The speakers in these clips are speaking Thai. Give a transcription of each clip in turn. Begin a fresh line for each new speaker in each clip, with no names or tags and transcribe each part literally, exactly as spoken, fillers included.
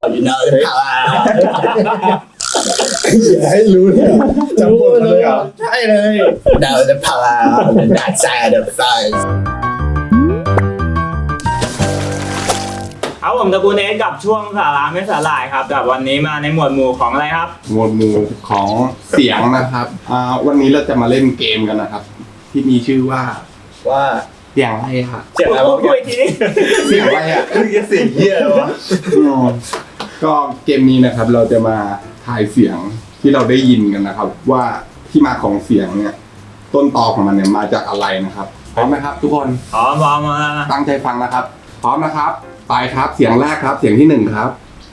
you know the power
อย่าให้รู้เลยจำบทเลยเหรอใช่เลย
know the power the dark side of force
เอาผมตระกูลเอสกับช่วงสาระไม่สาหร่ายครับกับวันนี้มาในหมวดหมู่ของอะไรครับ
หมวดหมู่ของเสียงนะครับอ่าวันนี้เราจะมาเล่นเกมกันนะครับ ที่มีชื่อว่า
ว่า
เสียงอะไรอะ
เสียงอะไรวะพูดอีกทีนี้
เสียงอะไรอะ
เสียงเหี้ยเลยวะ
ก็เกมนี้นะครับเราจะมาทายเสียงที่เราได้ยินกันนะครับ ว่าที่มาของเสียงเนี่ยต้นตอของมันเนี่ยมาจากอะไรนะครับพร้อมไหมครับ ทุกคน
พร้อมพร้อมมา
ตั้งใจฟังนะครับ พร้อมนะครับไปครับเสียงแรกครับเสียงที่หนึ่งครับ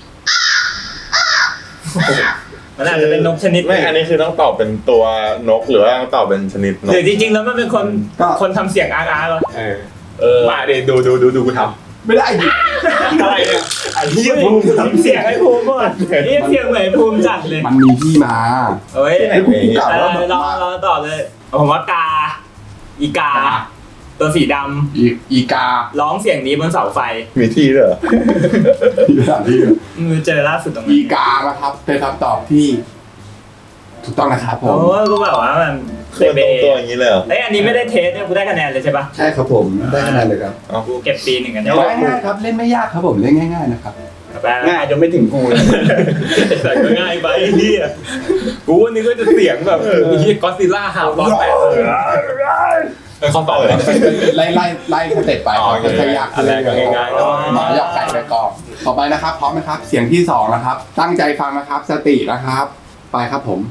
มันอาจจะเป็นนกชนิด
ไม่อันนี้คือต้องตอบเป็นตัวนกหรือว่าต้องตอบเป็นชนิดน
ห
ก
รือจริงๆแล้วมันเป็นคนคนทำเสียงอาร์อาร์เหรอ
เออเออมาเดี๋ยวดูดูดูดูกูท
ไม่ได้ดิ
อะไรเนี่ยไอ้ที่ภูมิทำเสียงไอ้ภูมิก่อนนี่เสียงเหมือนภูมิจัดเลย
มันมีที่มา
เฮ้ย
ไอ้กูกล่าว
เอ
ว่า
อ
แบบ
เราเราตอบเลยผมว่ากาอีกา ตัวสีด
อีอีกา
ำร้องเสียงนี้บนเสาไฟ
ำมีที่ด้วยเหรอ
ที่สถานที่
มือเจอล่าสุดตรง
อี
นี้
กานะครับเป็นคำตอบที่ ถูกต้องนะครับผม
โอ้ก็แบบว่ามัน
ตัว
เบ
ตรง
เบ
ตัวอย่างนี้เลยเหรอ
เอ้ยอันนี้ไม่ได้เทสเนี่ยกูได้คะแนนเลยใช่ปะ
ใช่ครับผมได้คะแนนเลยครับ
กูเก็บปีหนึ่งกัน
ง่ายๆครับเล่นไม่ยากครับผมเล่นง่ายๆนะครับ
ง่ายจนไม่ถึงกูเลย
แต่ก็ง่ายไปไอ้เฮียกูวันนี้ก็จะเสียงแบบไอ้เฮียก็อดซิลล่าหาวตอนแปดเออข้อต่อเลย
ไล่ไล่ไล่สเต็ปไปครับจะยากขึ้นเรื่อยๆ
ง่ายๆก็
หมอยอกไก่ไปก่อนต่อไปนะครับพร้อมไหมครับ เสียงที่สองนะครับ ตั้งใจฟังนะครับ สตินะครับ ไปครับผม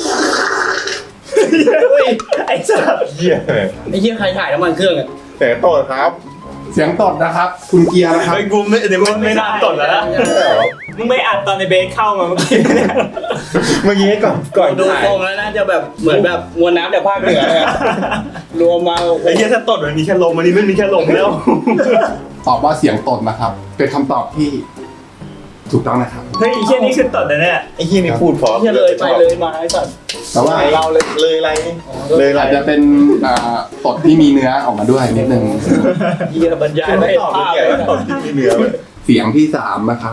ไอ้สัส
เหี้ย
ไอ้เหี้ยใครถ่ายน้ำมันเครื่องอ่ะ
แต่โตดครับ
เสียงตดนะครับ คุณเกียร์นะครับ
ไอ้กูไม่เดี๋ยวมันไม่น่าตดแล้วนะ
มึงไม่อัดตอนในเบสเข้ามาเมื่อกี้เนี่ย
เมื่อกี้ก่อนก่อน
ดู
ถ่าย
ทรงแล้วน่าจะแบบเหมือนแบบมวลน้ำจากภาคเหนือเลยอะรวมมา
ไอ้เฮียถ้าตดมันมีแค่ลมอันนี้ไม่มีแค่ลมแล้ว
ตอบว่าเสียงตดนะครับ เป็นคำตอบที่ถูกต้องนะครับ
เฮ้ยไอ้เชี่ยนี่คือตดนะเนี่ย
ไอ้เหี้ยนี่พูดเพราะ
เหี้ยเลยไปเลยมาไอ้สัตว์
แต่ว่า
เราเลยเลยอะไรเลยอะไร
อาจจะเป็นอ่าตดที่มีเนื้อออกมาด้วยนิดนึง
เหี้ยบรรยายไม่
ไม่
เห็น
ตอบ
ภาพ
เกี่ยวกับตอบที่มีเนื้อเลย
เสียงที่สามนะครับ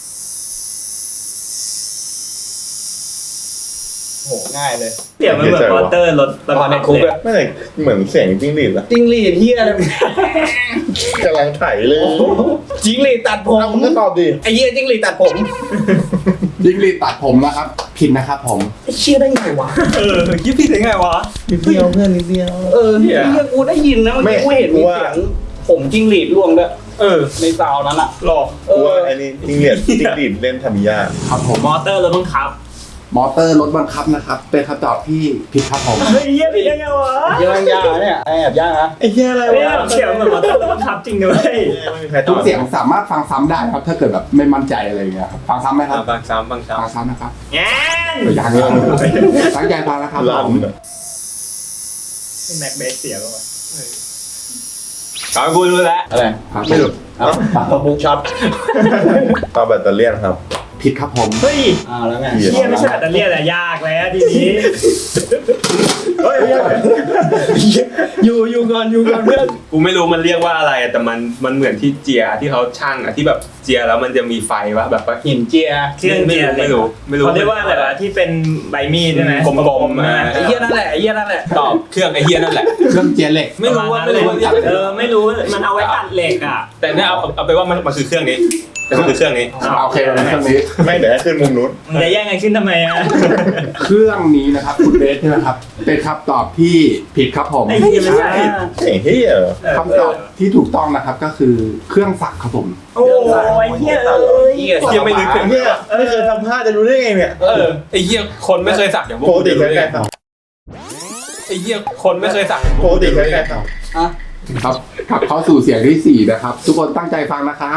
โหง่ายเลย
เสียงมันเหมือนวอเตอร์รถ
ตอนในคุกอะ
ไม่เลยเหมือนเสียงจิ้งหรีดอะ
จิ้งหรีดเหี้ยอะไร
กำลังไถเลย
จิ้งหรีดตัดผม
เอามึงก็ตอบดิ
ไอ้เหี้ยจิ้งหรีดตัดผม
ยิงลีดตัดผมนะครับ ผิดนะครับผม
ไอ้เชี่ยได้ไงวะ
เออคิดผิดได้ไงวะ
นิดเดียวเพื่อนนิดเดียว
เออเหี้ยกูได้ยินนะเมื่อกี้กูเห็นมีเสียงผมจิ้งหรีดร่วงด้วย
เออ
ในซาวนั้นอะ
หลอก
เอ
กู
อ
ว่าไอ้นี่จิ้งหรีดจิ้งหรีดเล่นทามิยา
ครับผม
มอเตอร์รถบังคับ
มอเตอร์รถบังคับนะครับ เป็นคำตอบที่ผิดครับผม
เฮ้ยเหี้ยผิดได้ไงวะ
เหี้ยางยากอะเนี่ยไอ้แอบยากฮะ
ไอ้เหี้ยอะไร
เฮ้ยว
ะ
เสียงเหมือนมอเตอร์รถบังคับจริงด้วย
ไม่มีใครต
ทุ
อก บ
เสียงสามารถฟังซ้ำได้ครับ ถ้าเกิดแบบไม่มั่นใจอะไรอย่างเงี้ยครับฟังซ้ำไหมครับ
บางซ้ำบางซ้
ฟังซ้ำนะครับ
แง่น
อย่างนี้ตั้งใจฟังนะครับ
ลั่น
ผม
อะ
แม็กเบสเสียป่ะวะ
ำตอนกูรู้แล้ว
อะไร
ครับ
ไม่รู้เอาปะบุกช็อต
ตอบแบตเตอรี่ครับ
ผิดครับผม
เฮ้ย
อ้าวแล้วไง
เชี่ยไม่ใช่แบตเตอรี่แต่ยากแล้วทีนี้เฮ้ย
อยู่อยู่ก่อนอยู่ก่อนเพื่อน
กูไม่รู้มันเรียกว่าอะไรแต่มันมันเหมือนที่เจียที่เขาช่างอะที่แบบเจียแล้วมันจะมีไฟวะแบบว่า
หินเจีย
เครื่อง
ไม่
เจีย
รู้ไม่รู้ไม่รู้
เขาเรียกว่าอะไรวะที่เป็นใบมีดใช่ไหม
กลมๆมา
ไอ้เหี้ยนั่นแหละไอ้เหี้ยนั่นแหละ
ตอบเครื่องไอ้เฮียนั่นแหละ
เครื่องเจียเหล็ก
ไม่รู้ว่าไม่รู้ว่าเรียก
เออไม่รู้มันเอาไว้ตัดเหล็กอ่ะ
แต่เนี่ยเอาเอาไปว่ามันมันคือเครื่องนี้แต่มันคือเครื่องนี้
โอเคเครื่องนี้
ไม่เดี๋ยวให้ขึ้นมุมนู้น
มึงจะแย่งกันขึ้นทำไมอ่ะ
เครื่องนี้นะครับคุณเบสใช่ไหมครับ เป็นคำตอบที่ผิดครับผม
ไอ้เหี้ยไม่ใช่
เสียงเหี้ยเหรอ
คำตอบที่ถูกต้องนะครับก็คือเครื่องสักครับผม
โอ้ยเหี้ยเอ้ย
เหี้ย
เฮียไม่นึกถึง
เหี้ยไม่เคยทำท่าจะรู้ได้ไงเนี่ย
เออไอ้เฮียคนไม่เคยสักอย่างพวก
ปก
กู
ติ
จะ
เค
รู้
ย
ได้
ใคร
ไง
ท
ไอ้เฮียคนไม่เคยสัก
ำปกติเคยใครท
อ่ะ
ครับกลับเข้าสู่เสียงที่สี่นะครับ ทุกคนตั้งใจฟังนะครับ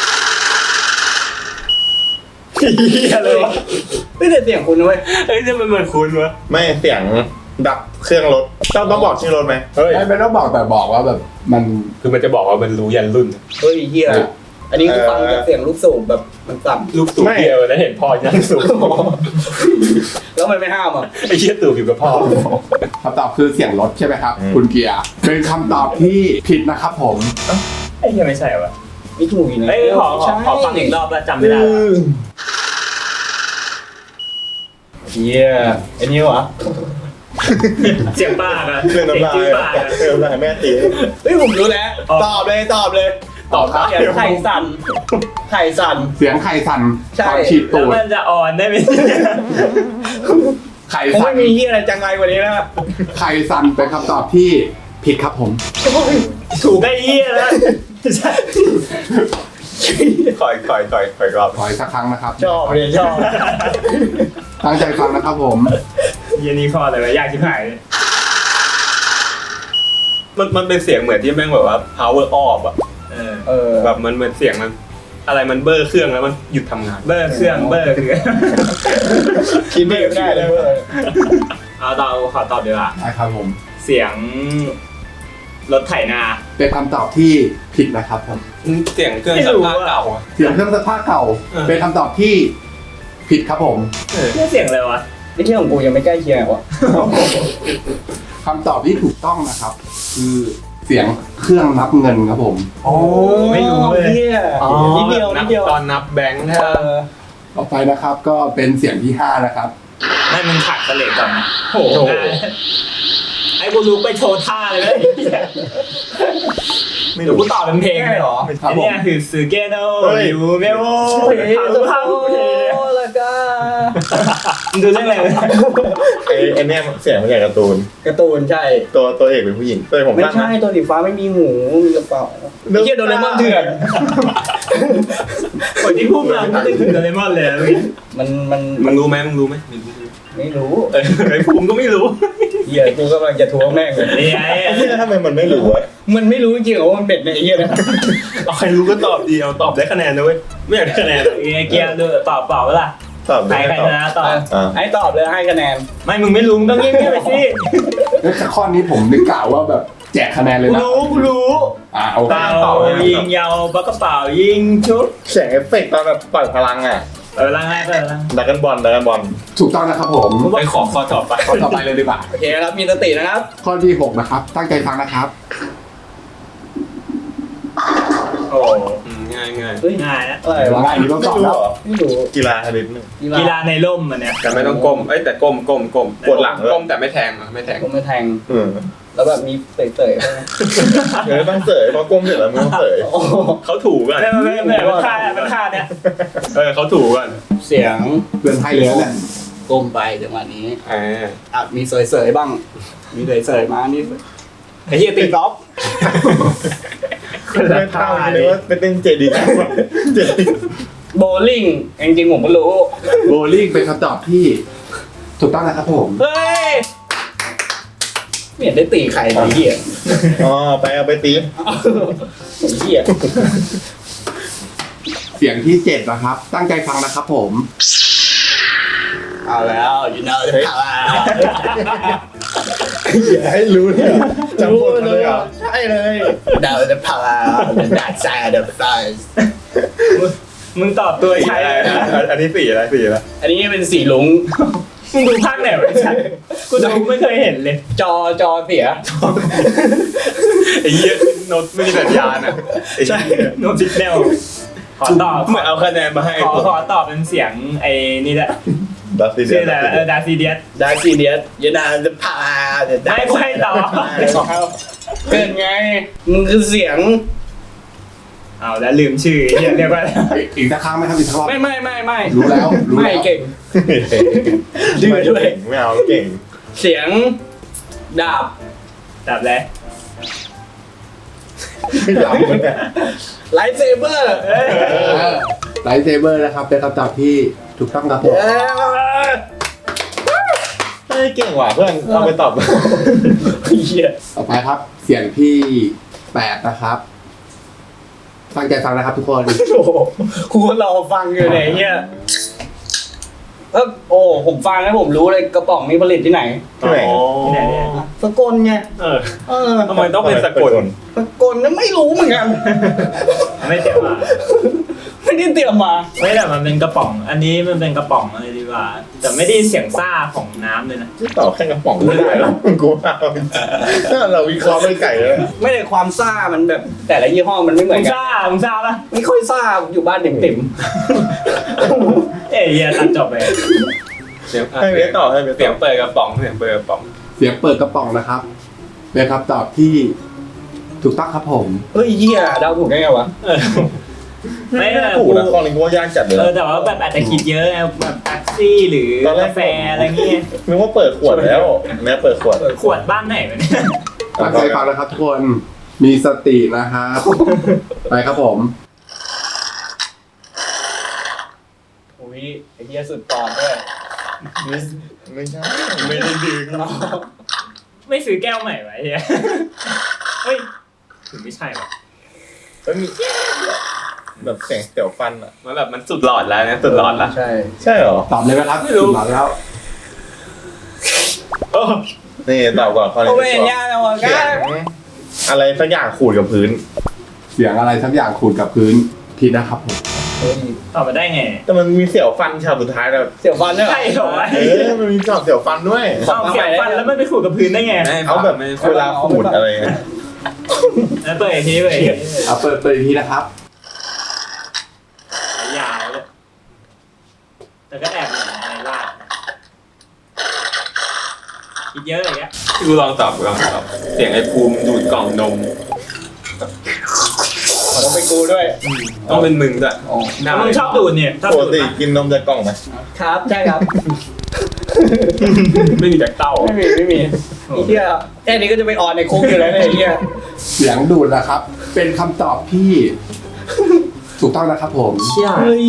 เหี้ยเลยวะ
ไม่ได้เสียงคุณนะเว้ย
เฮ้ยเนี่ยมันเหมือนคุณวะ
ำไม่เสียงดับเครื่องรถต้องต้องบอกชื่อรถไหม
เฮ้ย
ไม่ไม่ต้องบอกแต่บอกว่าแบบมัน
คือมันจะบอกว่ามันรู้ยันรุ่น
เฮ้ยเหี้ยอันนี้คือฟังจากเสียงลูกสูบแบบมันต่
ลูกตู่เดียวแล้วเห็นพ่อยันสูง
ำแล้วมันไม่ห้ามอ่ะ
ไอ้เชี่ยตู่อยู่กับพ่อ
คำตอบคือเสียงรถใช่ไหมครับ คุณเกียร์เป็นคำตอบที่ผิดนะครับผม
ไอ้เหี้ยไม่ใช่วะ
ไม่ถูกอีกนะ
เฮ้ยขอขอขอฟังอีกรอบแล้วจำไม่ได้แล้ว
เฮียไอ้นี่วะ
เสียงปากอะ
เรื่องน้ำลาย
เสียงปากอะ
เรื่องน้ำลายแม่ตี
เฮ้ยผมรู้แล้ว
อ๋อ
ตอบเลยตอบเลย
ตอบครับ
เสียงไข่สั่นไข่สั่น
เสียงไข่สั่น
ใช่
ตอนฉีด
แล้
ตู
ว
ด
มันจะอ่อนได้ไหม
ไข่
ผม
สั่
ไม่
น
มีเฮียอะไรจังไรกว่านี้แล้ว
ไข่สั่นเป็นคำตอบที่ผิดครับผม
ถูกได้เยี่ยแล้วใช่
คอยคอยคอยคอยรอบ
ขออีกสักครั้งนะครับ
ชอบเลยชอบ
ตั้งใจฟังนะครับผม
เยี่ยนี่ข้ออะไรวะยากชิบหายเลย
มันมันเป็นเสียงเหมือนที่แม่งแบบว่า power off อะ
เออ
เออ
แบบมันเหมือนเสียงมัน อะไรมันเบอร์เครื่องแล้วมันหยุดทำงาน
เบอร์เครื่องเบอร์คือ
คิดไม่ได้เลยเว้ย
เอาตอบขอตอบดีกว่า
ใช่ครับผม
เสียงรถไถนา
เป็นคำตอบที่ผิดนะครับผม
เสียงเครื่องซักผ้าเก่าอะ
เสียงเครื่องซักผ้าเก่า
เออ
เป็นคำตอบที่ผิดครับผม
นี่เสียงอะไรวะ
ไอ้ที่ของกูยังไม่ใกล้เคียงวะ
คำตอบที่ถูกต้องนะครับ คือเสียงเครื่องนับเงินครับผม
โอ้ไม่รู้เลยเฮียนิดเดียวนิดเดียว
ตอนนับแบงค์
เอ
ใช่ปะ
อ
ต่อไปนะครับก็เป็นเสียงที่ห้านะครับ
ไม่มึงถักสเลกก่อนนะโอ้โหไอ้กูรู้ไปโชว์ท่าเลยนะไม่รู้กูตอบเป็นเพลงเลยเหรอ
ครับผม
ไอ้เนี่ยคือซูเกโนยูเมโอ
เฮ้ย
ทำภาพเพลง
แล้วก็
มึงดูเรื่องอะไรวะ
ไอ้ไอ้เนี่ยเสียงมาจากการ์ตูน
การ์ตูนใช่
ตัวตัวเอกเป็นผู้หญิงตัวเอกผม
ไม่
ตั้ง
ใช่
นะ
ตัวสีฟ้าไม่มีหูมีกระเป๋าไอ้เฮียโดเรมอนเถื่อน
คนที่พูดมาไม่ได้ถึงโดเรมอนเลยอะเมื่อกี้
มันมัน
มึงรู้ไหมมึงรู้ไหมไม่รู้
ไม่รู้
เออไอ้ภูมิก็ไม่รู้
เฮียกูกำลังจะทวงแม่งเลย
นี่ไง
ไอ้เหี้ยทำไมมันไม่รู้วะ
มันไม่รู้จริงเหรอว่ามันเป็ดในไอ้เฮียนะ
เอาใครรู้ก็ตอบดีเอาตอบได้คะแนนนะเว้ยไม่อยากได้คะแนนอะ
ไอ้เกียร์ดูตอบเปล่าเปล่า
ตอบ
ใคร
ได้
ใคร
ตอบ
ชนะตอบ
อ่า
ไอ้ตอบเลยให้คะแนน
ไม่มึงไม่รู้มึงต้องเงียบๆไปสิ
เอ้ยข้อนี้ผมนึกกล่าวว่าแบบแจกคะแนนเลย
กู
นะ
รู้กูรู้
อ่าโอเค
เป่ายิงยาวปักกระเป๋ายิงชุบ
เสียงเอฟเฟกต์ตอนแบบปล่อยพลังอ่ะ
เออลังไงเปิดลัง
ดักกันบอลดักกันบอล
ถูกต้องนะครับผม
ไปขอข้อต่อไป
ข้อต่อไปเลยดีกว่า
โอเคครับมีสตินะครับ
ข้อที่หกนะครับ ตั้งใจฟังนะครับ
โอ้
อืมง่ายง่าย
เฮ้ย
ง่ายนะ
อะไรวะ
ง่ายนี่ต้องตอบแล้ว
ไม่รู้
กีฬาชนิดหนึง
กีฬาในร่มมันเนี่ย
แต่ไม่ต้องก้มเอ้ยแต่ก้มก้มก้ม
ปวดหลังเลย
ก้มแต่ไม่แทงอะไม่แทง
ผมไม่แทง
อืม
แล้วแบบมีเตยๆใช่ไหม
เออต้องเสยเพราะก้มเสร็จแล้วไม่ต้องเสย
โอ้โห
เขาถูก่อน
ไม่ไม่ไม่ไม่มันฆ่ามันฆ่าเนี่ย
เออเขาถูก่อน
เสียง
เตือนไพ่เลยนะเนี่ย
ก้มไปจังหวะนี้
อ่า
อ่ะมีเสยๆบ้าง มีเสยๆมานี่ไอ้เฮียตีกอล์ฟ
ไม่เท่าเลยว่าเป็นเต้นเจดีย์เจดีย์
โบลิ่งจริงๆผมก็รู้
โบลิ่งเป็นคำตอบที่ ถูกต้องนะครับผม
เฮ้ยไม่เห็นได้ตีใครเลยไอ้เฮีย
อ๋อไปเอาไปตี
ไอ้เฮีย
เสียงที่เจ็ดนะครับ ตั้งใจฟังนะครับผม
เอาแล้วยูนาจะพา
อย่าให้รู้เลยเหรอจำบทมาเลยเหรอ
ใช่เลยดาวจะพาดาซาเดฟไซส์
มึงตอบตัวใช่
อะไรนะอันนี้สี่อะไรสี่อะไร
อันนี้เป็นสีลุง
มึงดูภาคไหนไม่ใช่กูดูไม่เคยเห็นเลย
จอจอเสีย
ไอ้เหี้ยโน้ตไม่มีสัญญาณอ่ะไอ้เหี้ย
โนสิกแนลขอตอบ
เหมือนเอาคะแนนมาให้
ขอขอตอบเป็นเสียงไอ้นี่แหละ
ดัสซี่เดี
ชื่
ย
ออะไรเออดาซีเดียส
ดาซีเดียสยูนาจะพาเดี๋ยว
ได้กูให้ตอบ
เกิดไงมึงคือเสียง
เอาแล้วลืมชื่อเรียกเรียกว่าอะไร
อีกสักครั้งไหมครับอีกสักรอบ
ไม่ไม่ไม่ไม่
รู้แล้วรู้
ไม่
แล้ว
เก่ง ดื้อด้วย
ไม่เอาเก่ง
เสียงดาบ
ดับแล้ว
ไม่เอาเนี่ย
ไลท์เซเบอร์
ไลท์เซเบอร์นะครับ เป็นคำตอบที่ถูกต้องครับผม
เฮ้ยเก่งว่ะเพื่อนเอาไปตอบ
เฮีย
ต่อไปครับ เสียงที่แปดนะครับ ตั้งใจฟังนะครับทุกคน
โอ้โหครูรอฟังอยู่เนี่ยเฮียเออโอ้ผมฟังแล้วผมรู้เลยกระป๋องนี้ผลิตที่ไหน
ที่ไหน
ที่ไหนเนี่ย
สกลไง
เออ
เออ
ทำไมต้องเป็นสะกด
สกลนั้นไม่รู้เหมือนกัน
ไม่เสียมา
ไม่ไม่ได้เตรียมมา
ไม่แต่มันเป็นกระป๋อง อันนี้มันเป็นกระป๋องอะไรดีกว่า แต่ไม่ได้เสียงซ่าของน้ำเลยนะ
ที่ต่อแค่กระป๋องไม่ได้หรอกกูว่าถ้าเราวิเคราะห์ไม่ไก่เลย
ไม่ได้ความซ่ามันแบบแต่ละยี่ห้อมันไม่เหมือ
มึ
น
ง
กัน
ซ่ามึงซ่าปะ
ไม่ค่อยซ่าอยู่บ้านเต็ม
เอ้ยอย่าตัดจบไป
เสียง
ให้เวทต่อให้เวท
เสี
ต่
ย
อง
เปิดกระป๋องเสียงเปิดกระป๋อง
เสียงเปิดกระป๋องนะครับเป็นคำตอบที่ถูกต้องครับผม
ๆเฮ้ยเหี้ยเดาถูกได้ไงวะ
ไม่
ไม่
แต่
ถูกนะข้อนี้กูว่ายากจัดเลย
เออแต่ว่าแบบอาจจะคิดเยอะไงแบบแท็กซี่หรือกาแฟอะไรเงี้ย
นึกว่าเปิดขวดแล้วแม่เปิดขวด
ขวดบ้านไหนวะเนี่ย
ตั้งใจฟังนะครับทุกคนมีสตินะครับไปครับผม
อุ้ยไอ้เหี้ยสุดตอนด้วย
ไม่ไม่ใช่ไม่ได้ดึง
ไม่ซื้อแก้วใหม่ไว้เฮียเฮ้ยถึงไม่ใช่วะ
แล้วมีแบบเสียงเสียวฟันอ่ะ
มันแบบมันสุดหลอดแล้วนะสุดหลอดละ
ใช่
ใช่เหรอ
ตอบเลยไหมครับ
ไม่รู้
ตอบแล้ว
นี่ตอบก่อนข้อนี้
โอ้ยยากแล้วอ่ะ
เสีย
ก้าง
อะไรสักอย่างขูดกับพื้น
เสียงอะไรสักอย่างขูดกับพื้นผิดนะครับผม
ตอบมาได้ไง
แต่มันมีเสียวฟันฉากสุดท้ายแบบ
เสียวฟันด้วยเหรอ
ใช่เหรอวะ
เออมันมีฉากเสียวฟันด้วย
เอาเสียงฟันแล้วมันไปขูดกับพื้นได้ไง
เอาแบบเวลาขูดอะไรเงี้ย
แล้วเปิดอีกทีเปิดอีกที
เอาเปิดเปิดอีกทีนะครับ
ยาวเลยแต่ก็แอบเหมือนอะไรลาดคิดเยอะอะไรเงี้ย
กูลองตอบกูลองตอบเสียงไอ้ภูมิดูดกล่องนม
ขอต้องไปกูด้วย
ต้องเป็นมึงด้วย
อ๋อ
หน้า
มึงชอบดูดเนี่ยชอบ
ป
ดู
ก
ด
ติ
ปะ
กินนมจากกล่องไหม
ครับใช่ครับ
ไม่มีจากเต้า
ไม่มีไม่มีไอ้เหี้ยแค่นี้ก็จะไปออนในคุกอยู่แล้วเนี่ยไอ้เหี้ย
เสียงดูดนะครับ เป็นคำตอบที่ ถูกต้องนะครับผม
เชี่ย
เฮ้ย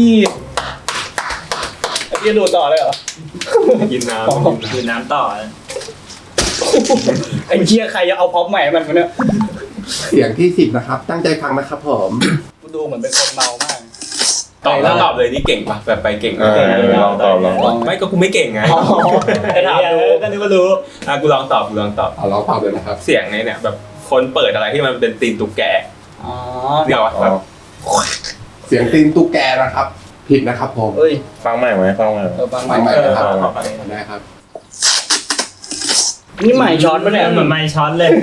ไอ้เหี้ยดูต่อเลยเหรอ
กินน้
ดูดน้ำต่อนะ
ไอ้เหี้ยใครจะเอาพร็อพใหม่ให้มันวะเนี่ย
เสียงที่สิบนะครับ ตั้งใจฟังนะครับผม
กูดูเหมือนเป็นคนเมามาก
ำตอบแล้วตอบเลยนี่เก่งปะแบบไปเก่ง
เออลองตอบลองตอบ
ไม่ก็กูไม่เก่งไง
ไอ้ถามดู
ก็นึกว่ารู้
อ่ะกูลองตอบกูลองตอบ
เอาลองตอบเลยนะครับ
เสียงในเนี่ยแบบคนเปิดอะไรที่มันเป็นตีนตุ๊กแก
อ๋อ
เดี๋ยว
อ๋
แบ
อบ
เสียงตีนตุ๊กแกนะครับ ผิดนะครับผม
เฮ้ย
ฟังใหม่ไหมฟังใหม่ไหม
เออฟังให
ฟั
ม่
งใหม่
เออ
นะครับ
ฟังใหม่
ได้ครับ
นี่ใหม่ช้อนปะเนี่ย
เหมือนไม้ช้อนเลย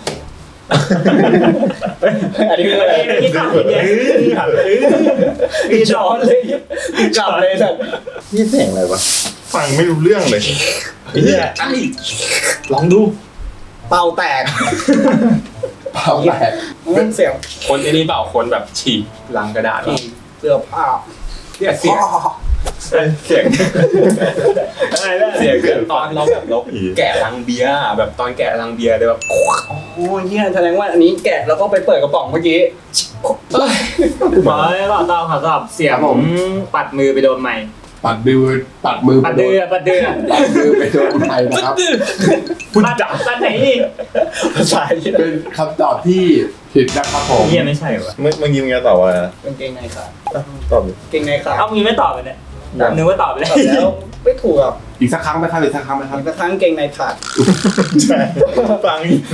อันนี้คืออะไร
ที่ขับเนี่ย
มีช้อนเลยกลับเลยสัตว์
นี่เสียงอะไรวะฟังไม่รู้เรื่องเลยไอ้เหี้ย
ใช่ลองดู
เป่าแตก
เปล่าแหละ
มันเสียง
คนไอ้นี่เปล่าคนแบบฉีกลังกระดาษ
ที่เสื้อผ้า
เนี่ยเสียงเสียง
อะไรเนี่ย
เสียงเกิดตอนเราแบบเราแกะลังเบียร์อะแบบตอนแกะลังเบียร์เลยแบบ
โอ้ยเฮียแสดงว่าอันนี้แกะแล้วก็ไปเปิดกระป๋องเมื่อกี้
ขอขอตอบขอตอบเสียงปัดมือไปโดนไม้
ปัดมือปัดมือ
ปัด
ไปโด
เดื
น
อปัดเดือ
ปัดมือไปโดนไทยนะครับ
ปัดปัดไหนนี่
ภาษาที่
เป็นคำตอบที่ผิดนะครับผม
เฮียไม่ใช่วะ
เมื่อเมื่อกี้มึงจะตอบว่าอะไรนะ
กางเกงในขาด
อ่ะตอบดิ
เกงในขาด
เอ้ามึงไม่ตอบเลยเนี่ยนึกว่าตอบไปแล้ว
ตอบแล้วไม่ถูกอ่ะ
อีกสักครั้งไหมครับอีกสักครั้งไหมครับ
อีกสักครั้งเกงในขาด
ใช่ฟังอีกเลย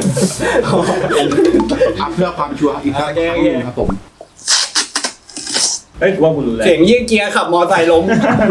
อ่ะเพื่อความชัวร์อีกสักครั้งหนึงครับผม
เฮ้ยกูว่ากูรู้แล้ว
เสียงยี่เกียร์ขับมอไซค์ล้ม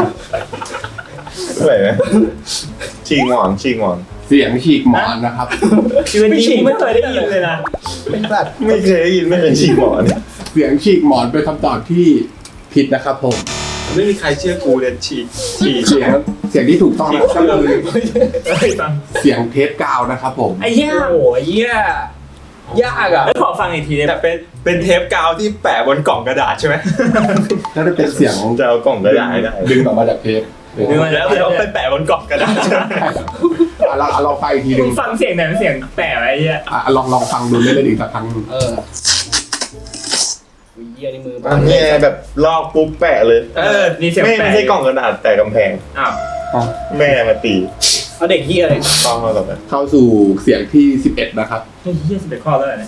อะไรนะชิงหมอนชิงหมอน
เสียงฉีกหมอนนะครับ
ชีวิตนี้กูไม่เคยได้ยินเลยนะ
เป็นสัตว์
ไม่เคยได้ยินไม่เคยชิงหมอน
เสียงฉีกหมอนเป็นคำตอบที่ผิดนะครับผม
ไม่มีใครเชื่อกูเลยฉีกฉีก
เสียงเสียงที่ถูกต้องนะครับก็คือ
เฮ้ยฟัง
เสียงเทปกาวนะครับผม
ไอ้เหี้ย
โอ้โหเหี้ยยากอ่ะ
แล้วขอฟังอีกทีได้
แต่
ปะ
เป็นเป็นเทปกาวที่แปะบนกล่องกระดาษใช่ไหม
น่าจะเป็นเสียง
จะเอากล่องกระดาษให้ได้
ดึงออกมาจากเทป
ดึงมา
แล้วแล้วไปแปะบนกล่องกระดาษใช่ไหม
อ่ะเราเราฟังอีกทีห
มึ
นึ่
ง
ง
ฟังเสียงไหนเป็นเสียงแปะไว้ไอ้เหี้ย
อ่ะลองลองฟังดูเล่นๆอีกสักครั้งหนึ่ง
เอออุ้ยเหี้ยในมือ
อันนี้แบบลอกปุ๊บแปะเลย
เออนี่เสียง
ไม่
แปะ
ไม่ใช่กล่องกระดาษแต่กำแพง
อ้าว
อ๋อ
แม่มาตี
เอาเด็กเหี้ยเลย
ฟังเราต่อไป
เข้าสู่เสียงที่สิบเอ็ดนะครับ
เฮ้ยเหี้ยสิบเอ็ดข้อแล้วเหรอเนี่ย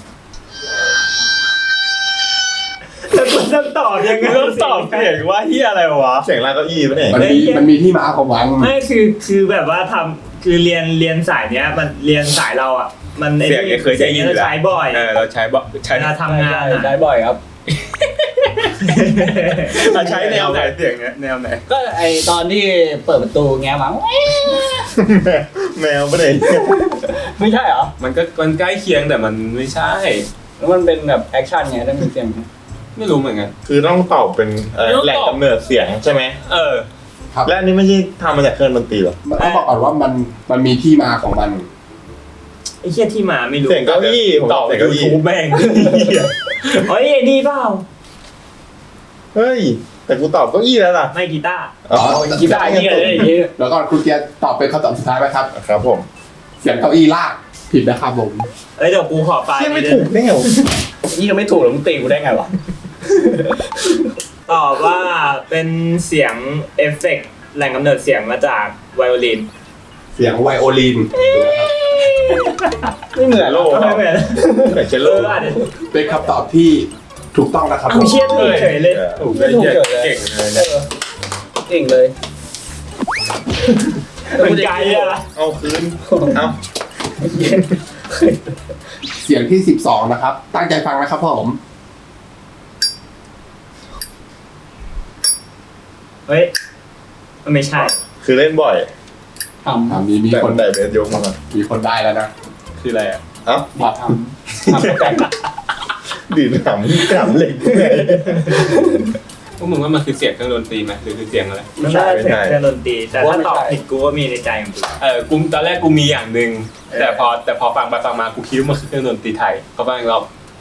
แล้วกูจะตอบยังไง
มึงต้องตอบเสียงว่าเฮียอะไรวะ
เสียงลากเก้าอี้ปะเนี่ย
มันมีมันมีที่มาของวัง
ไม่คือคือแบบว่าทำคือเรียนเรียนสายเนี้ยมันเรียนสายเราอ่ะ มันไอ้
เสียงเนี่ยเคยได้ยิน
เสีง
อยู่
เรา
แล้ว
ใช้บ่อย
เออเราใช้บ่ใช้
เวลาทำงาน
ใช่
อะ
ได้บ่อยครับ
ใช้แนวไหนเสียงเนี้ยแนวไหน
ก็ไอตอนที่เปิดประตูแง้มมา
แมวไปไหน
ไม่ใช่เหรอ
มันก็มันใกล้เคียงแต่มันไม่ใช่
แล้วมันเป็นแบบแอคชั่นไงต้องมีเสียงไง
ไม่รู้เหมือนกัน
คือต้องตอบเป็นเอ่อ
ต้องตอบ
แหล่งกำเนิดเสียงใช่ไหม
เออ
ครับ
และอันนี้ไม่ใช่ทำมาจากเครื่องดนตรีหรอ
ต้องบอกก่อนว่ามันมันมีที่มาของมัน
ไอ้เหี้ยที่มาไม่รู้
เสียงเก้าอี้ผม
ต
ต
อ
อ
บบ
เสียง
ยู
เก้าอี้
ทูบแม่ง
เฮ้ยไอ้นี่เปล่า
เฮ้ยแต่กูตอบเก้าอี้แล้วล่ะ
ไม่กีตาร์
อ๋อ
กีตาร์นี่เลยอย่างงี้
แล้วก็คุณเกียร์ตอบเป็นคำตอบสุดท้ายไหมครับ
ครับผม
เสียงเก้าอี้ลากผิดนะครับผม
เอ้ยเดี๋ยวกูขอไฟล์
เที่ยไม่
นี้
ถูกได้ไงวะ
นี่ก็ไม่ถูกแล้วมึงตีกูได้ไงวะ
ตอบว่าเป็นเสียงเอฟเฟกต์แหล่งกำเนิดเสียงมาจากไวโอลิน
เสียงไวโอลิน
ไม่เหมือนหรอก
ไม่เหมือน
แต่เชล
เอ
โล่
ออาจจะ
เป็นคำตอบที่ถูกต้องนะครับผ
กู
ม
เชี่ยถูกเฉยเลย
ถูกได้เหี้ยเก่งเลย
เอ
เนี่ย
อเก่งเลย
มันไกลอะ
เอาคืนเอา
เสียงที่สิบสองนะครับ ตั้งใจฟังนะครับผม
เฮ้ยมันไม่ใช่
คือเล่นบ่อย
ทำ
อ่ามีมี
แต่
คน
แต่เบสยกมาก่อน
มีคนได้แล้วนะ
คืออะไรอ่ะ
เอ้า
ครับ
ทำทำแต่
ดีดหำหำเหล็กไง
พวกมึงว่ามันคือเสียงเครื่องดนตรีไหมหรือคือเสียงอะไร
มันน่าจะเสียงเครื่องดนตรีแต่ถ้าตอบผิดกูก็มีในใจของกู
เออกูตอนแรกกูมีอย่างหนึ่งแต่พอแต่พอฟังไปฟังมากูคิดว่ามันคือเครื่องดนตรีไทยก็ฟังอีกรอบ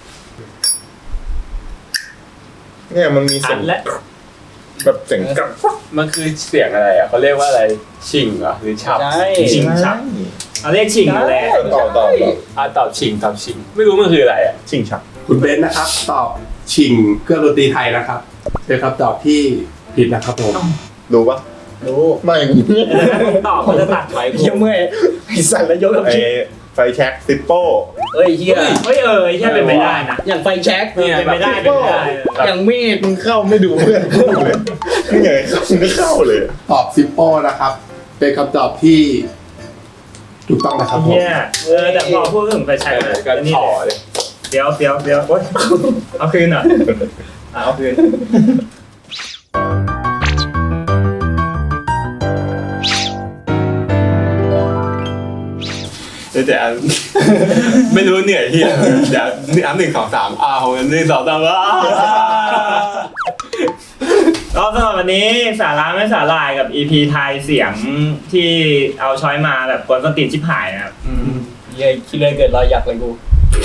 เนี่ยมันมีเสี
อั
ยง
นและ
แบบเสียงกลับ
มันคือเสียงอะไรอ่ะเขาเรียกว่าอะไรชิงเหรอหรือฉับ
ใช่
ชิงชักเอาเรียกชิงแหละ
ต่อต่อต่อ
อ่ะตอบชิงตอบชิง ไม่รู้มันคืออะไรอ่ะ
ชิงชัก
คุณเบนซ์นะครับ ตอบชิงเครื่องดนตรีไทยนะครับ เป็นคำตอบที่ผิดนะครับผม
รู้ปะ
รู้
ไม่
แต่ถ้ามึงตอบมันจะตัดไว้กู
เยี่ยมเมื่อยไอ้สัตว์แล้วยกกับ
ไอ
พี่
ไฟแช็กซิปโป้
เอ้ยเฮีย
เฮ้ยเออไอ้เหี้ยเป็นไปได้นะ
อย่างไฟแช็ก
เนี่ยเป็นไปได้เป็นไปได้
อย่างมีด
มึงเข้าไม่ดูเพื่อนกูเลยนี่ไงเข้ามึงก็เข้าเลย
ตอบซิปโป้นะครับ เป็นคำตอบที่ถูกต้องนะครับผม
เนี่ยเออแต่พอพูดถึงไปใช้
เออก็
นี่
ต่อเลย
เดี๋ยวเดี๋ยวเดี๋ยวโอ๊ยเอาคืนหน่อยเอาคืน
เดี๋ยวแต่อัน ไม่รู้เหนื่อยเฮียเดี๋ยวอันหนึ่งสองสามอ้าวหนึ่งสองสามอ้าว
ก็สำหรับวันนี้สาระไม่สาลายกับ อี พี ทายเสียงที่เอาช้อยมาแบบกวนส้นตีนชิบหายนะครับ
เฮียคิดเลยเกิดรอยหยักเลยกู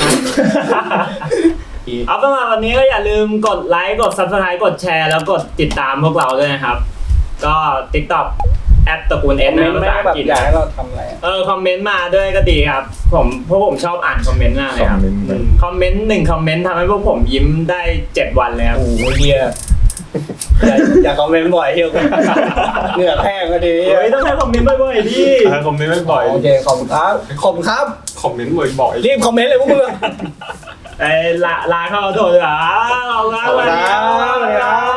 เอาสำหรับวันนี้ก็อย่าลืมกดไลค์กด ซับสไครบ์ กดแชร์แล้วกดติดตามพวกเราด้วยนะครับ ก็ ติ๊กต็อก แอทตระกูลเอส
ไม่
นะภา
ไม่
ษาอั
แบ
ง
บ
กฤษ
อยากให้เราทำอะไรอะ
เออคอมเมนต์มาด้วยก็ดีครับ ผมเพราะผมชอบอ่านคอมเมนต์มากเลยครับ
คอมเมนต์
อืมคอมเมนต์หนึ่งคอมเมนต์ทำให้พวกผมยิ้มได้เจ็ดวันเลยครับ
โอ้โหเฮียอย่าอย่าคอมเมนต์บ่อยเฮียเหงื่อแห้งก็ดี
เฮ้ยต้องให้คอมเมนต์บ่อยๆดิ
คอมเมนต์บ่อย
โอเคขอบคุณครับขอบคุณครับ
คอมเมนต์บ่อยๆ
รีบคอมเมนต์เลยพวกมึงอะ
ไอ้ลาลาเข้าโทษเลยอ่ะขอบคุณครับ
ขอบคุณครับ